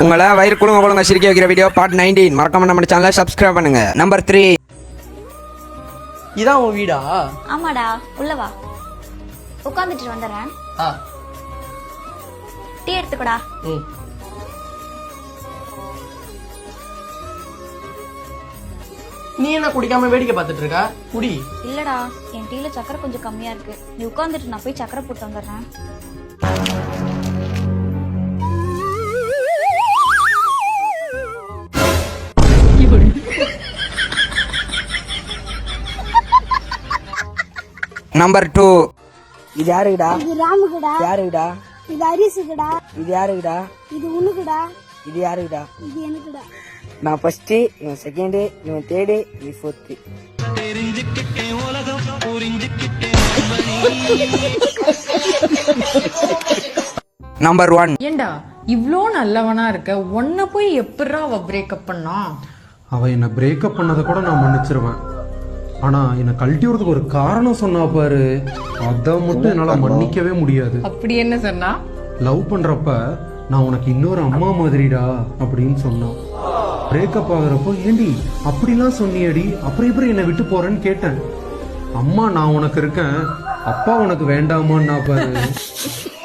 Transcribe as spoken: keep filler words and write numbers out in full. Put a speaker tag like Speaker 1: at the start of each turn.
Speaker 1: உங்களை வயிறு குழுங்க குழுங்க சிரிக்க வைக்கிற வீடியோ பார்ட் நைன்டீன். மறக்காம நம்ம சேனலை சப்ஸ்கிரைப் பண்ணுங்க. Number three.
Speaker 2: இதான் உன் வீடா?
Speaker 3: ஆமாடா, உள்ள வா. உட்காந்துட்டு வந்துடுறேன். டீ எடுத்துக்கடா.
Speaker 2: நீ என்ன குடிக்காம வேடிக்கை பார்த்துட்டு இருக்க? குடி.
Speaker 3: இல்லடா, என் டீல சக்கரை கொஞ்சம் கம்மியா இருக்கு. நீ உட்காந்துட்டு நான் போய் சக்கரை போட்டு வந்துடுறேன்.
Speaker 1: Number two.
Speaker 4: இது யாருக்குடா?
Speaker 5: இது ராமுக்குடா.
Speaker 4: யாருக்குடா?
Speaker 5: இது ஹரிசுக்குடா.
Speaker 4: இது யாருக்குடா?
Speaker 5: இது உனக்குடா.
Speaker 4: இது யாருக்குடா?
Speaker 5: இது எனக்குடா.
Speaker 4: நான் ஃபர்ஸ்ட், இவன் செகண்ட், இவன் தேர்டு, இவன் ஃபோர்த்து.
Speaker 1: Number one.
Speaker 6: ஏண்டா இவ்ளோ நல்லவனா இருக்க, உன்னை போய் எப்படிரா அவ பிரேக்கப் பண்ணா?
Speaker 7: அவ என்ன பிரேக்கப் பண்ணதை கூட நான் மன்னிச்சிருவேன். ஆனா என்னை கழட்டி விடுறதுக்கு ஒரு காரணம் சொன்னா பாரு, அதை மட்டும் என்னால மன்னிக்கவே முடியாது.
Speaker 6: அப்படி என்ன சொன்னா?
Speaker 7: லவ் பண்றப்ப நான் உனக்கு இன்னொரு அம்மா மாதிரிடா அப்படின்னு சொன்னான். பிரேக்கப் ஆகுறப்போ ஏண்டி அப்படிலாம் சொன்னியடி, அப்புறம் எப்படி என்னை விட்டு போறேன்னு கேட்டேன். அம்மா நான் உனக்கு இருக்கேன், அப்பா உனக்கு வேண்டாமான்னா பாரு.